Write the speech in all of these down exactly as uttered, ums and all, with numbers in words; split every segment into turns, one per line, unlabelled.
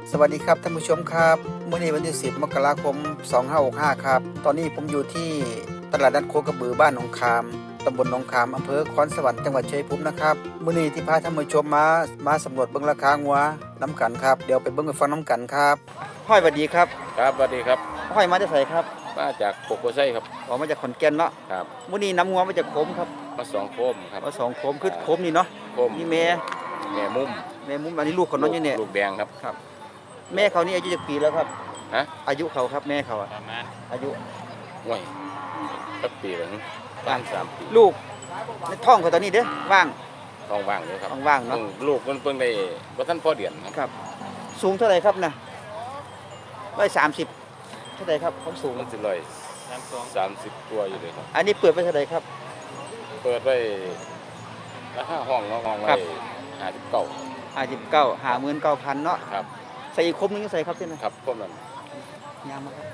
สวัสดีครับท่านผู้ชมครับเมื่อในวันที่สิบมกราคมสองพันห้าร้อยหกสิบห้าครับตอนนี้ผมอยู่ที่ตลาดนัดโคกระบือบ้านหนองคามตำบลหนองคามอำเภอคอนสวรรค์จังหวัดชัยภูมินะครับเมื่อนี้ที่พาท่านผู้ชมมามาสำรวจเบิ้งราคางัวน้ำกันครับเดี๋ยวไปเบิ้งไปฟังน้ำกันครับห้อยสวัสดีครับ
ครับสวัสดีครับ
ห้อยมาจากไสครับ
มาจากโกโกไซครับ
ออกมาจากขอนแก่นเนาะ
ครับ
มื่อนี้น้ำงัวมาจากโคมครับ
มาสองโคมครับ
มาสองโคมคือโคมนี่เนาะ
โคม
นี่แม่
แม่มุม
แม่มุมอันนี้ลูกเขาเนาะอยู่เนี่ย
ลูกแดงครับ
ครับแม่เขานี่อายุกี่ปีแล้วครับ
ฮะ
อายุเขาครับแม่เขาอะ
ประมาณ
อายุ
ห่วยสักปีหนึ่งว่างสามปี
ลูกในท้องเขาตอนนี้เด้อว่าง
ท้องว่างเลยครับ
ว่างเนาะ
ลูกมันเพิ่งได้ว่าท่านพ่อเดือน
ครับสูงเท่าไหร่ครับนะร้อยสามสิบเท่าไหร่ครับความสูง
มันสิร้อยสามสิบตัวอยู่เลยครับ
อันนี้เปิดไปเท่าไหร่ครับ
เปิดไว้ราคาห้องเนาะห้องไว้ห้าสิบเก้า
ห้าสิบเก้าห้าหมื่นเก้าพันเนาะ
ครับ
ใส่อีกครบนึงใส่ครับเส้น
นะครับครบนั้น
ยางมาครับ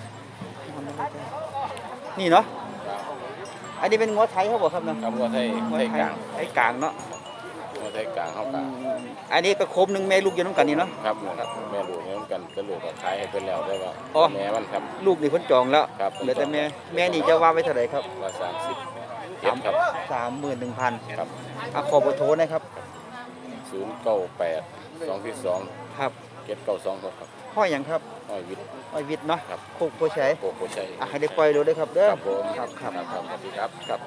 นี่เนาะอันนี้เป็นงัวไทยเขาบอกครับเนาะ
งัวไทยไทยกลาง
ไทยกลางเนาะ
งัวไทยกลางเขากลาง
อันนี้ก็ครบนึงแม่ลูกอยู่น้ำกันนี่เนาะ
ครับแม่ลูกน้ำกันก็ลูกก็ขายให้เป็นแล้วได้ว่าแม่มันครับ
ลูกนี่พ้นจองแล้วเหลือแต่แม่แม่นี่จะว่าไว้เท่าไหร่ครับ
ว่าสามสิบเจ็ดครับ
สามหมื่นหนึ่งพัน
ครับ
อ่ะขอเบอร์โทรนะครับ
ศูนย์เก้าแปดสองที่สอง
ครับ
เจ็ดเก้าสองครับ
ห้อยอย่างครับ
ห้อยวิทย์
ห้อยวิทย์เนาะ
ครับ
โคกโพชัย
โคกโพชัย
อ่ะให้ได้ปล่อยดูด้วยครับเด้อ
ครับผม
ครับครับ
สวัสดีครับครับ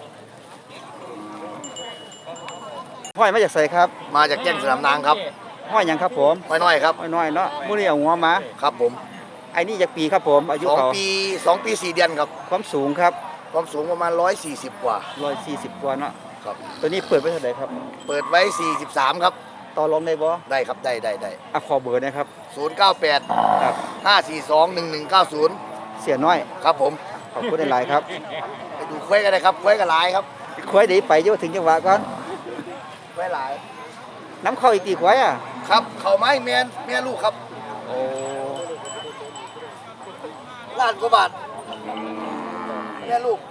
ห้อยมาจากไสครับ
มาจากแจ้งสนามนางครับ
ห้อยอย่างครับผม
ห้อยน้อยครับ
ห้อยน้อยเนาะมื้อนี้เอาหัวมา
ครับผม
ไอ้นี่จากปีครับผมอายุเขา
สองปีสองปีสี่เดือนครับ
ความสูงครับ
ความสูงประมาณร้อยสี่สิบกว่า
ร้อยสี่สิบกว่าเนาะ
ครับ
ตัวนี้เปิดไว้เท่าไหร่ครับ
เปิดไว้สี่สิบสามครับ
ต่อรองได้บ่
ได้ครับได้ได้ได้
อ่ะขอเบอร์นะครับ
ศูนย์เก้าแปด
ครับ
ห้าสี่สองหนึ่งหนึ่งเก้าศูนย์
เสียน้อย
ครับผม
ขอบคุณหลายครับ
ไปดูควายกันเลยครับควายกันหลายครับ
ควายเดี๋ยวไปอยู่ถึงจังหวะก่อน
ควายหลาย
น้ำเข้าอีกกี่ควายอ่ะ
ครับเข่าไม้เมียนเมียลูกครับ
โอ้
ล้านกว่าบาทเมียลูก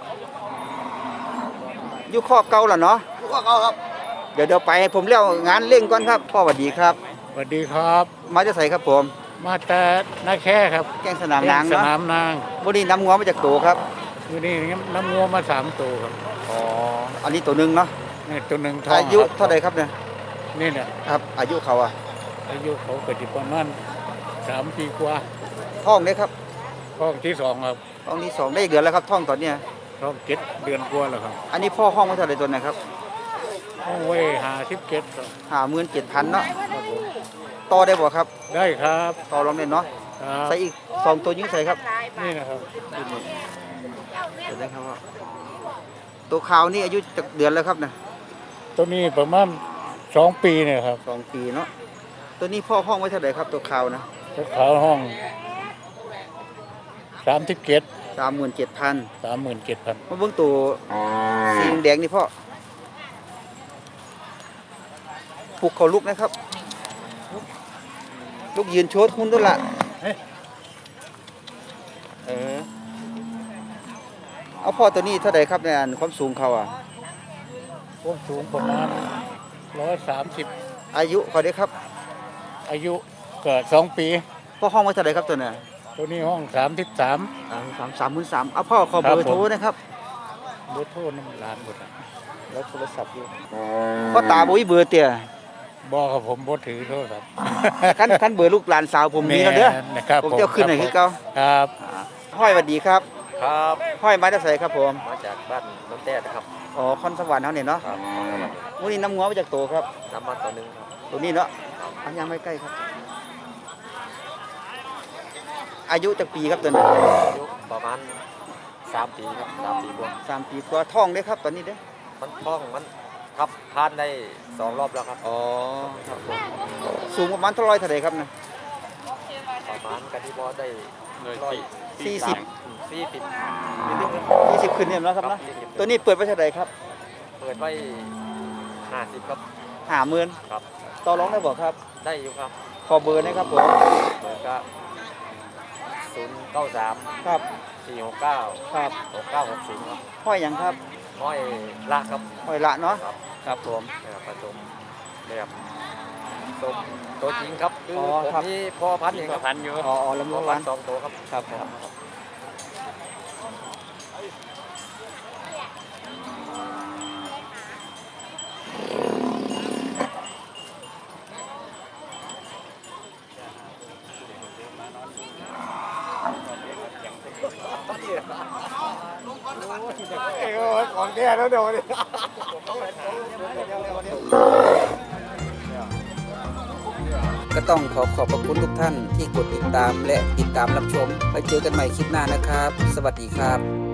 อยู่ข้อเก่าแล้วเนาะ
ลูกเขาครับ
เดี๋ยวเดี๋ยวไปผมเลี้ยวงานเร่งก่อนครับพ่อสวัสดีครับ
สวัสดีครับ
มาจะใส่ครับผม
มาแต่นาแค่ครับ
แกงสนามนาง
สนามนาง
วันนี้น้ำงัวมาจากโตครับ
วันนี้น้ำงัวมาสามตัวครับ
อ๋ออันนี้ตัวหนึ่งเนาะ
นี่ตัวหนึ่งท้อง
อายุเท่าไรครับเนี่ย
นี่เนี่ย
ครับอายุเขาอะ
อายุเขาเกิดประมาณสามปีกว่า
ท้องได้ครับ
ท้องที่สองครับ
ท้องที่สองได้เดือนแล้วครับท้องตอนเนี้ย
ท้องเจ็ดเดือนกว่าแล้วครับ
อันนี้พ่อห้องไว้เท่าไรตัวไหนครับ
ห้องไว้หาสิบเจ็ด
หาหมื่นเจ็ดพันเนาะต่อได้บ่ครับ
ได้ครับ
ต่อรองได้เนาะใส่อีกสองตัวยิงใส่ครับ
นี่นะครับ
เห็นไหมครับว่าตัวขาวนี่อายุจากเดือนแล้วครับนะ
ตัวนี้ประมาณสองปีเนี่ยครับ
สองปีเนาะตัวนี้พ่อห้องไว้เท่าไหร่ครับตัวขาวนะ
ตัวขาวห้องสามสิบเจ็ด
สามหมื่นเจ็ดพัน
สามหมื่นเจ็ดพัน
มาเบื้องตัวสีแดงนี่พ่อปลุกเขาลุกนะครับลุกยืนโชดหุ้นด้วยล่ะเออเอาพ่อตัวนี้เท่าไหร่ครับในอันความสูงเขาอ่ะ
ความสูงประมาณร้อยสามสิบ
อายุเขาได้ครับ
อายุเกิดสองปี
พ่อห้องไว้เท่าไหร่ครับตัวนี้
ตัวนี้ห้องสามสิบสาม
สามสามหมื่นสามเอาพ่อขอเบอร์โทรนะครับ
เบอร์โทรน้ำร้านหมด
แล้วโทรศัพท์อยู่พ่อตาบุ้ยเบอร์เตี่ย
บอกครับผมบ่ถือโทรศัพท์
ขั้นขั้นเบอร์ลูกหลานสาวผมมีแล้วเด้อผมจะขึ้นไหนคือเก่า
ครับ
ห้อยสวัสดีครับ
ครับ
ห้อยมาจากไสครับผม
มาจากบ้านน้ำแต้ครับ
อ๋อคอนสวรรค์เขาเนี่ยเนาะวันนี้น้ำงัวมาจากโตครับ
น้ำมาตัวหนึ่งครับ
ตัวนี้เนาะอันยังไม่ใกล้ครับอายุจากปีครับตัวนี้
อายุประมาณสามปีครับสามปีกว่า
สามปีกว่าท้องได้ครับตอนนี้เด้
มันท้องมันครับทานได้สองรอบแล้วครับ
อ๋อสูงประมาณเท่าไรเท่าไรครับนะ
ประมาณกันที่บอได้ร้อย
สี่สิบ
สี่สิบ
ยี่สิบขึ้นเนี่ยนะครับนะตัวนี้เปิดไว้เท่าไรครับ
เปิดไว้ห้าสิบครับ
ห้าหมื่น
ครับ
ต่อรองได้บอกครับ
ได้อยู่ครับ
ขอเบอร์นะครับผม
เบอร์ก็ศูนย์เก้าสาม
ครับ
สี่หกเก้า
ครับ
หกเก้าหกศูนย์ครับ
ห้อยอย่างครับ
ห้อยละครับ
ห้อยละเนาะ
ครับ
ครับผม
ผสมแบบ
ส
สมตัวจริงครับคือ
อ๋อ
ผม
ครับ
นี่พ่อพันธุ์เองครับ
พันอยู่
อ๋ออ๋อลำ
พ่
ลู
อก พั
วัน น
ธุ์สองตัวครับ
ครับครับของแท้แล้วเดี๋ยวนี้ก็ต้องขอขอบพระคุณทุกท่านที่กดติดตามและติดตามรับชมไปเจอกันใหม่คลิปหน้านะครับ สวัสดีครับ